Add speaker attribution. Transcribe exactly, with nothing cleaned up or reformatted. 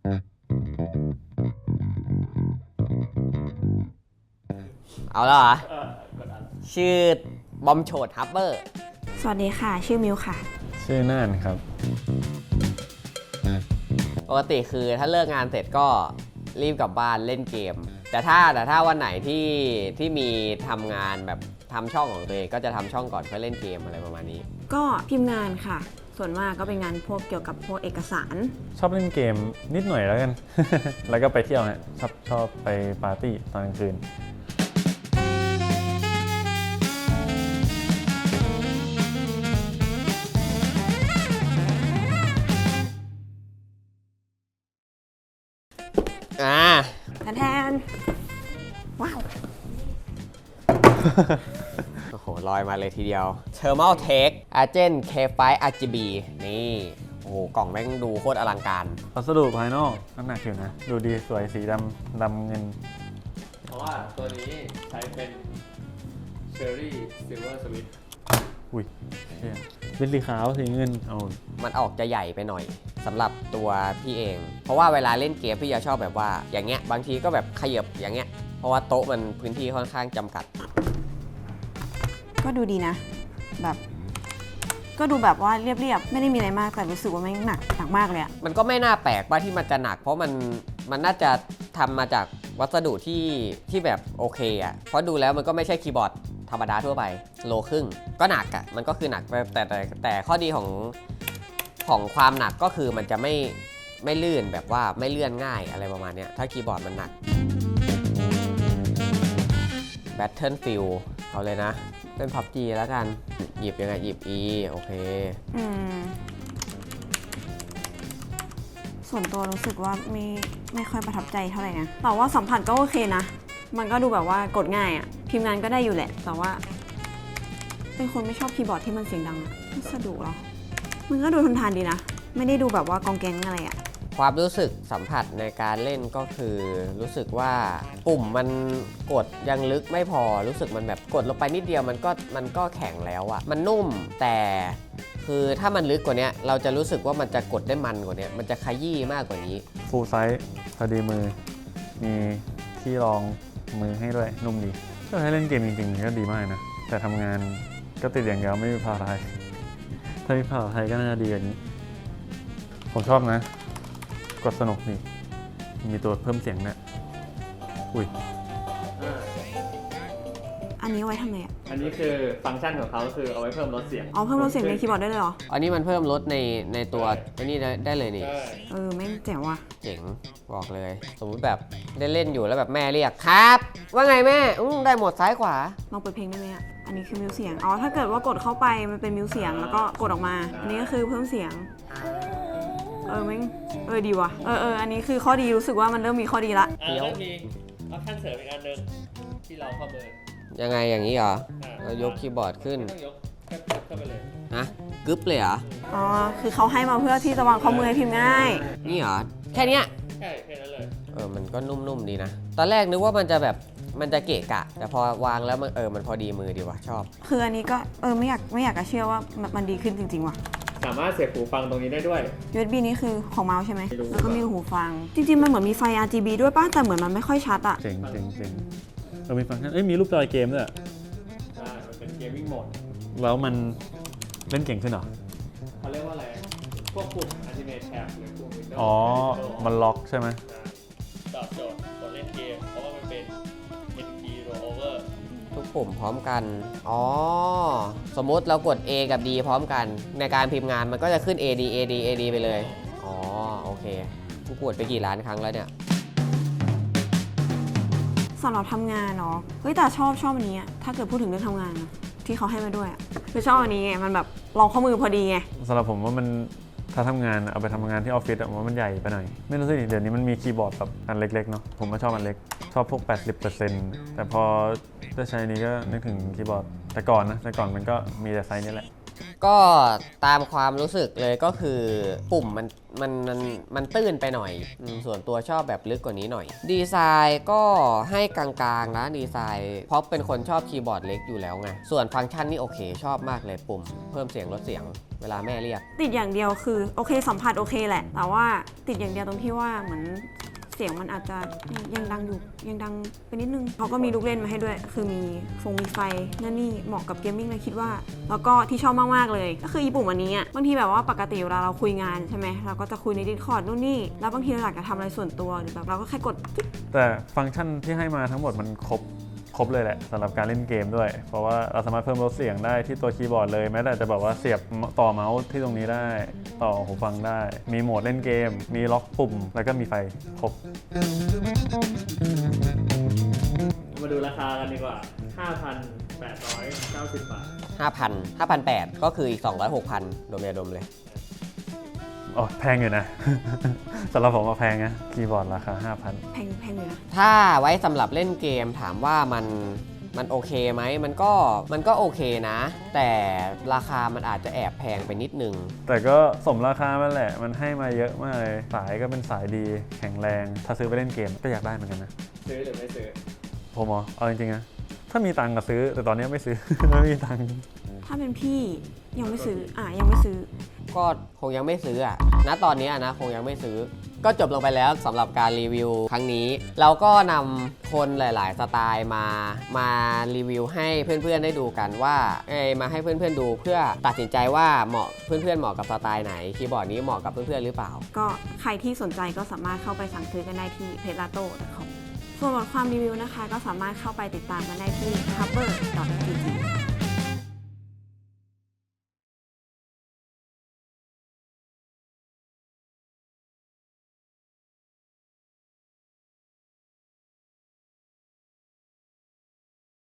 Speaker 1: เอาแล้วเหรอชื่อบอมโฉดฮับเบอร์
Speaker 2: สวัสดีค่ะชื่อมิวค่ะ
Speaker 3: ชื่อน่านครับ
Speaker 1: ปกติคือถ้าเลิกงานเสร็จก็รีบกลับบ้านเล่นเกมแต่ถ้าแต่ถ้าวันไหนที่ที่มีทำงานแบบทำช่องของตัวเองก็จะทำช่องก่อนเพื่อเล่นเกมอะไรประมาณนี้
Speaker 2: ก็พิมพ์งานค่ะส่วนมากก็เป็นงานพวกเกี่ยวกับพวกเอกสาร
Speaker 3: ชอบเล่นเกมนิดหน่อยแล้วกัน แล้วก็ไปเที่ยวฮะชอบชอบไปปาร์ตี้ตอนกลางคืน
Speaker 1: อ่า
Speaker 2: แทนว้าว
Speaker 1: โอ้โหลอยมาเลยทีเดียว Thermal Tech Agent เค ไฟว์ อาร์ จี บี นี่โอ้โหกล่องแม่งดูโคตรอลังการ
Speaker 3: วัสดุภายนอกน้ำหนักอยู่นะดูดีสวยสีดำดำเงิน
Speaker 4: เพราะว่าตัวนี้ใช้เป็น Cherry Silver Switch
Speaker 3: อุ้ยเป็นสีขาวสีเงินเอา
Speaker 1: มันออกจะใหญ่ไปหน่อยสำหรับตัวพี่เองเพราะว่าเวลาเล่นเกมพี่จะชอบแบบว่าอย่างเงี้ยบางทีก็แบบขยับอย่างเงี้ยเพราะว่าโต๊ะมันพื้นที่ค่อนข้างจำกัด
Speaker 2: ก็ดูดีนะแบบก็ดูแบบว่าเรียบๆไม่ได้มีอะไรมากแต่รู้สึกว่าไม่หนักหนักมากเลยอะ
Speaker 1: มันก็ไม่น่าแปลกว่าที่มันจะหนักเพราะมันมันน่าจะทำมาจากวัสดุที่ที่แบบโอเคอะเพราะดูแล้วมันก็ไม่ใช่คีย์บอร์ดธรรมดาทั่วไปโลครึ่งก็หนักอะมันก็คือหนักแต่แต่แต่ข้อดีของของความหนักก็คือมันจะไม่ไม่ลื่นแบบว่าไม่เลื่อนง่ายอะไรประมาณนี้ถ้าคีย์บอร์ดมันหนัก Battlefield เอาเลยนะเป็น พับจี แล้วกันหยิบยังไงหยิบ E โอเค
Speaker 2: อืมส่วนตัวรู้สึกว่าไม่ไม่ค่อยประทับใจเท่าไหร่นะแต่ว่าสัมผัสก็โอเคนะมันก็ดูแบบว่ากดง่ายอะพิมพ์งานก็ได้อยู่แหละแต่ว่าเป็นคนไม่ชอบคีย์บอร์ดที่มันเสียงดังอะไม่สะดวกหรอมันก็ดูทนทานดีนะไม่ได้ดูแบบว่ากองแกงอะไรอะ
Speaker 1: ความรู้สึกสัมผัสในการเล่นก็คือรู้สึกว่าปุ่มมันกดยังลึกไม่พอรู้สึกมันแบบกดลงไปนิดเดียวมันก็มันก็แข็งแล้วอะมันนุ่มแต่คือถ้ามันลึกกว่านี้เราจะรู้สึกว่ามันจะกดได้มันกว่านี้มันจะขยี้มากกว่านี้
Speaker 3: ฟูลไซส์พอดีมือมีที่รองมือให้ด้วยนุ่มดีถ้าให้เล่นเกมจริงๆก็ดีมากนะแต่ทำงานก็ติดอย่างเดียวไม่มีภาษาไทยถ้ามีภาษาไทยก็น่าจะดีกว่านี้ผมชอบนะกดสนุกนี่มีตัวเพิ่มเสียงเนี่ยอุ้ย
Speaker 2: อันนี้ไว้ทำไงอ่ะ
Speaker 4: อันนี้คือฟังก์ชันของเขาคือเอาไว้เพิ่มลดเสียง
Speaker 2: อ๋อเพิ่มลดเสียงในคีย์บอร์ดได้เลยเหรอ
Speaker 1: อันนี้มันเพิ่มลดในในตัวอันนี้ได้เลยนี่
Speaker 2: เออแม่งเจ๋งว่ะ
Speaker 1: เจ๋งบอกเลยสมมติแบบได้เล่นอยู่แล้วแบบแม่เรียกครับว่าไงแม่อุ้ได้หมดซ้ายขวา
Speaker 2: ลองเปิดเพลงได้ไหมอ่ะอันนี้คือมิวเสียงอ๋อถ้าเกิดว่ากดเข้าไปมันเป็นมิวเสียงแล้วก็กดออกมาอันนี้ก็คือเพิ่มเสียงเออแม่งเออดีว่ะเออเอออันนี้คือข้อดีรู้สึกว่ามันเริ่มมีข้อดีละ
Speaker 4: เริ่มมีออปชั่นเสริมอีกอันนึงที่เราเข้าเบอร์
Speaker 1: ยังไงอย่างนี้เหรอเรายกคีย์บอร์ดขึ้น
Speaker 4: ต้องยกแค่เข้าไปเลย
Speaker 1: ฮะกึ๊บเลยเหรอ
Speaker 2: อ๋อคือเขาให้มาเพื่อที่จะวางข้อมือให้พิมพ์ง่าย
Speaker 1: นี่เหรอแค่นี้
Speaker 4: ใช่แค่นั้นเลย
Speaker 1: เออมันก็นุ่มๆดีนะตอนแรกนึกว่ามันจะแบบมันจะเกะกะแต่พอวางแล้วมันเออมันพอดีมือดีว่ะชอบ
Speaker 2: คืออันนี้ก็เออไม่อยากไม่อยากจะเชื่อว่ามันดีขึ้นจริงๆว่ะ
Speaker 4: สามารถเสียบหูฟังตรงนี้ได้ด้วย
Speaker 2: ยู เอส บี นี้คือของเมาส์ใช่ไหมแล้วก็มีหูฟังจริงๆมันเหมือนมีไฟ อาร์ จี บี ด้วยป่ะแต่เหมือนมันไม่ค่อยชัดอะ
Speaker 3: เจ๋งเจ๋งเจ๋งเออมีฟังก์ชันเอ้ยมีรูปจอยเกมด้วย
Speaker 4: ใช่มันเป็นเกมมิ่งโหมด
Speaker 3: แล้วมันเล่นเก่งขึ้นเหรอ
Speaker 4: เขาเรียกว่าอะไรพวกปุ่ม Ultimate Tab หรือปุ่ม Windows
Speaker 3: อ๋อมันล็อกใช่ไหม
Speaker 4: ตอบโจทย์คนเล่นเกมเพราะว่ามันเป็น เอ็น พี Rollover
Speaker 1: ทุกปุ่มพร้อมกันอ๋อสมมุติเรากด A กับ D พร้อมกันในการพิมพ์งานมันก็จะขึ้น เอ ดี เอ ดี เอ ดี ไปเลยอ๋อโอเคกูกดไปกี่ล้านครั้งแล้วเนี่ย
Speaker 2: สำหรับทำงานเนาะเฮ้ยแต่ชอบชอบอันนี้อะถ้าเกิดพูดถึงเรื่องทำงานนะที่เขาให้มาด้วยอะคือชอบอันนี้ไงมันแบบรองข้อมือพอดีไง
Speaker 3: สำหรับผมว่ามันถ้าทำงานเอาไปทำงานที่ออฟฟิศอะว่ามันใหญ่ไปหน่อยไม่รู้สิเดี๋ยวนี้มันมีคีย์บอร์ดแบบอันเล็กๆเนาะผมก็ชอบอันเล็กชอบพวก แปดสิบเปอร์เซ็นต์ แต่พอได้ใช้นี้ก็นึกถึงคีย์บอร์ดแต่ก่อนนะแต่ก่อนมันก็มีแต่ไซส์นี้แหละ
Speaker 1: ก็ตามความรู้สึกเลยก็คือปุ่มมันมันมันมันตื้นไปหน่อยส่วนตัวชอบแบบลึกกว่านี้หน่อยดีไซน์ก็ให้กลางๆนะดีไซน์เพราะเป็นคนชอบคีย์บอร์ดเล็กอยู่แล้วไงส่วนฟังก์ชันนี่โอเคชอบมากเลยปุ่มเพิ่มเสียงลดเสียงเวลาแม่เรียก
Speaker 2: ติดอย่างเดียวคือโอเคสัมผัสโอเคแหละ แต่ว่าติดอย่างเดียวตรงที่ว่าเหมือนเสียงมันอาจจะยังดังอยู่ยังดังไปนิดนึงเขาก็มีลูกเล่นมาให้ด้วย คือมีฟงมีไฟนั่นนี่เหมาะกับเกมมิ่งเลยคิดว่า แล้วก็ที่ชอบมากๆเลยก็คือญี่ปุ่นวันนี้อ่ะบางทีแบบว่าปกติเวลาเราคุยงานใช่ไหมเราก็จะคุยใน Discord นู่นนี่แล้วบางทีเราอยากจะทำอะไรส่วนตัวหรือแบบเราก็แค่กดจิ๊บ
Speaker 3: แต่ฟังก์ชันที่ให้มาทั้งหมดมันครบครบเลยแหละสำหรับการเล่นเกมด้วย เพราะว่าเราสามารถเพิ่มลดเสียงได้ที่ตัวคีย์บอร์ดเลยแม้แต่จะแบบว่าเสียบต่อเมาส์ที่ตรงนี้ได้ ต่อหูฟังได้ มีโหมดเล่นเกม มีล็อกปุ่ม แล้วก็มีไฟครบ
Speaker 4: มาดูราคากันดีกว่า ห้าพันแปดร้อยเก้าสิบ บาท
Speaker 1: ห้าพัน ห้าพันแปดร้อยก็คืออีกสองร้อย หกพันรวมยาดมเลย
Speaker 3: อ๋อแพงอยู่นะ สำหรับผมว่าแพงนะคีย์บอร์ดราคา ห้าพัน
Speaker 2: แพงแพงเลยนะ
Speaker 1: ถ้าไว้สำหรับเล่นเกมถามว่ามันมันโอเคไหมมันก็มันก็โอเคนะ แต่ราคามันอาจจะแอบแพงไปนิดนึง
Speaker 3: แต่ก็สมราคามันแหละ มันให้มาเยอะมากเลย สายก็เป็นสายดี แข็งแรง ถ้าซื้อไปเล่นเกมก็อยากได้เหมือนกันนะ
Speaker 4: ซื้อหรือไม่ซื้อ
Speaker 3: ผมเหรอเอาจริงๆนะ ถ้ามีตังค์ก็ซื้อ แต่ตอนนี้ไม่ซื้อ ไม่มีตังค์
Speaker 2: ถ้าเป็นพี่ยังไม่ซื้ออ่ะยังไม่ซื้อ
Speaker 1: ก็คงยังไม่ซื้ออะณตอนนี้นะคงยังไม่ซื้อ ก็จบลงไปแล้วสำหรับการรีวิวครั้งนี้ เราก็นำคนหลาย ๆ สไตล์มามารีวิวให้เพื่อนๆได้ดูกันว่าเอ้ยมาให้เพื่อนๆดูเพื่อตัดสินใจว่าเหมาะเพื่อนๆเหมาะกับสไตล์ไหนคีย์บอร์ดนี้เหมาะกับเพื่อนๆหรือเปล่า
Speaker 2: ก็ใครที่สนใจก็สามารถเข้าไปสั่งซื้อกันได้ที่ เพจ ลาโต้ ดอท คอม ส่วนบทความรีวิวนะคะ ก็สามารถเข้าไปติดตามกันได้ที่ ฮับเบอร์ ดอท จี จี